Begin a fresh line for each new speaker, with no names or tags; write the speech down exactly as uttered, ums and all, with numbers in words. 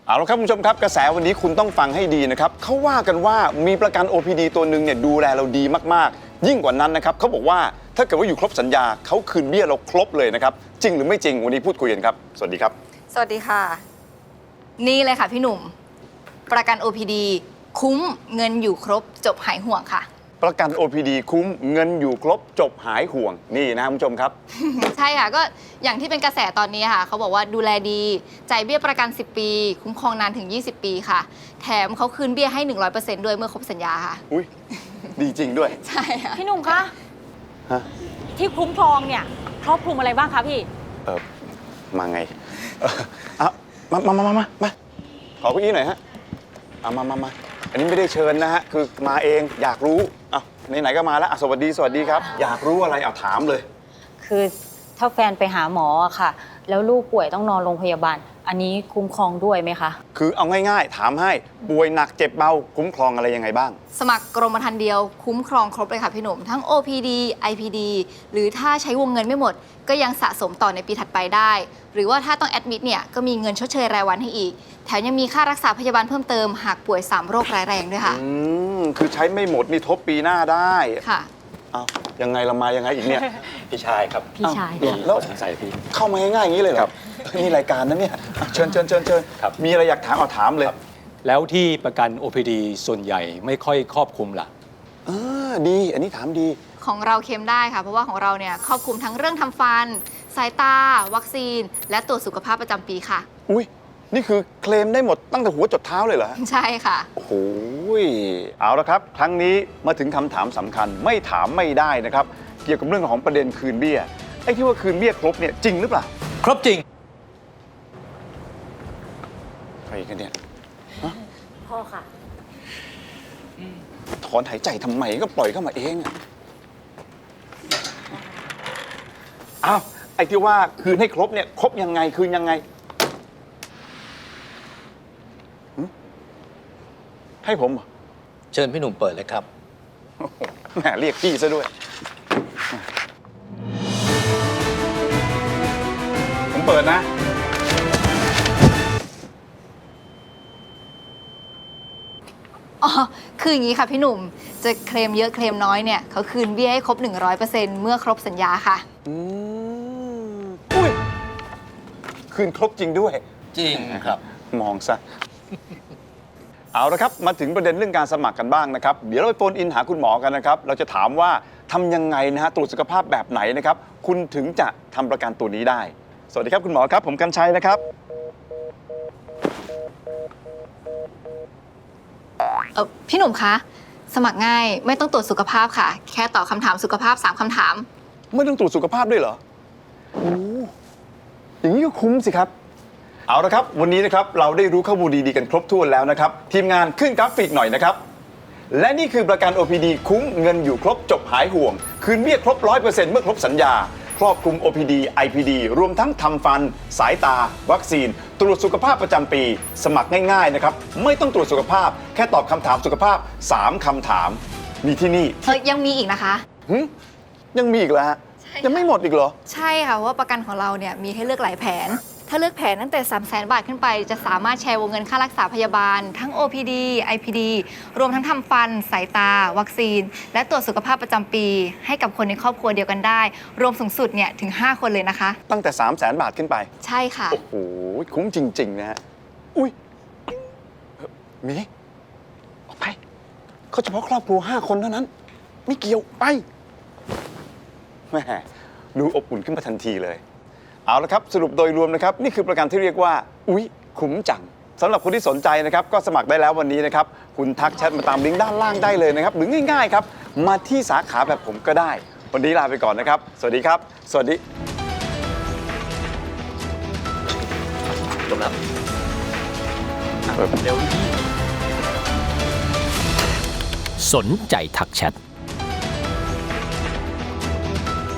เอาละครับคุณผู้ชมครับกระแสวันนี้คุณต้องฟังให้ดีนะครับเขาว่ากันว่ามีประกัน โอ พี ดี ตัวหนึ่งเนี่ยดูแลเราดีมากๆยิ่งกว่านั้นนะครับเขาบอกว่าถ้าเกิดว่าอยู่ครบสัญญาเขาคืนเบี้ยเราครบเลยนะครับจริงหรือไม่จริงวันนี้พูดคุยกันครับสวัสดีครับ
สวัสดีค่ะนี่เลยค่ะพี่หนุ่มประกัน โอ พี ดี คุ้มเงินอยู่ครบจบหายห่วงค่ะ
ประกัน โอ พี ดี คุ้มเงินอยู่ครบจบหายห่วงนี่นะคุณผู้ชมครับ
ใช่ค่ะก็อย่างที่เป็นกระแสตอนนี้ค่ะเขาบอกว่าดูแลดีจ่ายเบี้ยประกันสิบปีคุ้มครองนานถึงยี่สิบปีค่ะแถมเขาคืนเบี้ยให้ หนึ่งร้อยเปอร์เซ็นต์ ด้วยเมื่อครบสัญญาค่ะ
อุ้ยดีจริงด้วย
ใช่ค่ะ
พี่หนุ่มคะ
ฮะ
ที่คุ้มครองเนี่ยครอบคลุมอะไรบ้างคะพี่
เออมาไงเอออ่ะมามามามามามาขอเก้าอี้หน่อยฮะเอามามามาอันนี้ไม่ได้เชิญนะฮะคือมาเองอยากรู้อ่ะไหนๆก็มาแล้วสวัสดีสวัสดีครับอยากรู้อะไรเอาถามเลย
คือถ้าแฟนไปหาหมออะค่ะแล้วลูกป่วยต้องนอนโรงพยาบาลอันนี้คุ้มครองด้วยไหมคะ
คือเอาง่ายๆถามให้ป่วยหนักเจ็บเบาคุ้มครองอะไรยังไงบ้าง
สมัครกรมธรรม์เดียวคุ้มครองครบเลยค่ะพี่หนุ่มทั้ง โอ พี ดี ไอ พี ดี หรือถ้าใช้วงเงินไม่หมดก็ยังสะสมต่อในปีถัดไปได้หรือว่าถ้าต้องแอดมิดเนี่ยก็มีเงินชดเชยรายวันให้อีกแถมยังมีค่ารักษาพยาบาลเพิ่มเติมหากป่วยสามโรคร้ายแรงด้วยค่ะ
อืมคือใช้ไม่หมดนี่ทบปีหน้าได้
ค่ะ
อ้าวยังไงเรามายังไงอีกเนี่ย
พี่ชายครับ
พี่ชาย
แล้ว
ใส่พี่
เข้ามาง่ายๆอย่างนี้เลยเหรอนี่รายการนั้นเนี่ยเชิญเชิญเชิญเชิญมีอะไรอยากถามเอาถามเลย
แล้วที่ประกัน โอ พี ดี ส่วนใหญ่ไม่ค่อยครอบคลุมล่ะ
เออดีอันนี้ถามดี
ของเราเค็มได้ค่ะเพราะว่าของเราเนี่ยครอบคลุมทั้งเรื่องทำฟันสายตาวัคซีนและตรวจสุขภาพประจำปีค่ะ
อุ้ยนี่คือเคลมได้หมดตั้งแต่หัวจดเท้าเลยเหรอ
ใช่ค่ะ
โอ้โหเอาละครับครั้งนี้มาถึงคำถามสำคัญไม่ถามไม่ได้นะครับเกี่ยวกับเรื่องของประเด็นคืนเบี้ยไอ้ที่ว่าคืนเบี้ยครบเนี่ยจริงหรือเปล่า
ครบจริง
ใครกันเนี่ย
พ่อค่ะ
ถอนหายใจทำไมก็ปล่อยเข้ามาเองอ้าวไอ้ที่ว่าคืนให้ครบเนี่ยครบยังไงคืนยังไงให้ผมเหรอ
เชิญพี่หนุ่มเปิดเลยครับ
แหมเรียกพี่ซะด้วยผมเปิดนะ
อ๋อคืออย่างนี้ค่ะพี่หนุ่มจะเคลมเยอะเคลมน้อยเนี่ยเขาคืนเบี้ยให้ครบ หนึ่งร้อยเปอร์เซ็นต์ เมื่อครบสัญญาค่ะ
อืมอุ้ยคืนครบจริงด้วย
จริงครับ
มองซะเอาละครับมาถึงประเด็นเรื่องการสมัครกันบ้างนะครับเดี๋ยวเราไปโฟนอินหาคุณหมอกันนะครับเราจะถามว่าทำยังไงนะฮะตรวจสุขภาพแบบไหนนะครับคุณถึงจะทำประกันตัวนี้ได้สวัสดีครับคุณหมอครับผมกรรชัยนะครับ
เออพี่หนุ่มคะสมัครง่ายไม่ต้องตรวจสุขภาพค่ะแค่ตอบคำถามสุขภาพสามคำถาม
ไม่ต้องตรวจสุขภาพด้วยเหรอโอ้อย่างนี้ก็คุ้มสิครับเอาละครับวันนี้นะครับเราได้รู้ข้อมูลดีๆกันครบถ้วนแล้วนะครับทีมงานขึ้นกราฟิกหน่อยนะครับและนี่คือประกัน โอ พี ดี คุ้มเงินอยู่ครบจบหายห่วงคืนเบี้ยครบ ร้อยเปอร์เซ็นต์ เมื่อครบสัญญาครอบคลุม โอ พี ดี ไอ พี ดี รวมทั้งทำฟันสายตาวัคซีนตรวจสุขภาพประจำปีสมัครง่ายๆนะครับไม่ต้องตรวจสุขภาพแค่ตอบคำถามสุขภาพสามคำถามมีที่นี่
เออยังมีอีกนะคะ
หึยังมีอีกเหรอฮะยังไม่หมดอีกเหรอ
ใช่ค่ะเพราะว่าประกันของเราเนี่ยมีให้เลือกหลายแผนถ้าเลือกแผนตั้งแต่ สามแสน บาทขึ้นไปจะสามารถแชร์วงเงินค่ารักษาพยาบาลทั้ง โอ พี ดี ไอ พี ดี รวมทั้งทำฟันสายตาวัคซีนและตรวจสุขภาพประจำปีให้กับคนในครอบครัวเดียวกันได้รวมสูงสุดเนี่ยถึงห้าคนเลยนะคะ
ตั้งแต่ สามแสน บาทขึ้นไป
ใช่ค่ะ
โอ้โหคุ้มจริงๆนะฮะอุ้ยมีออกไปเขาเฉพาะครอบครัวห้าคนเท่านั้นไม่เกี่ยวไปแหมดูอบอุ่นขึ้นมาทันทีเลยเอาละครับสรุปโดยรวมนะครับนี่คือประกันที่เรียกว่าอุ๊ยคุ้มจังสำหรับคนที่สนใจนะครับก็สมัครได้แล้ววันนี้นะครับคุณทักแชทมาตามลิงก์ด้านล่างได้เลยนะครับหรือง่ายๆครับมาที่สาขาแบบผมก็ได้วันนี้ลาไปก่อนนะครับสวัสดีครับสวัสดี
จบแล้วเร็ว
สนใจทักแชท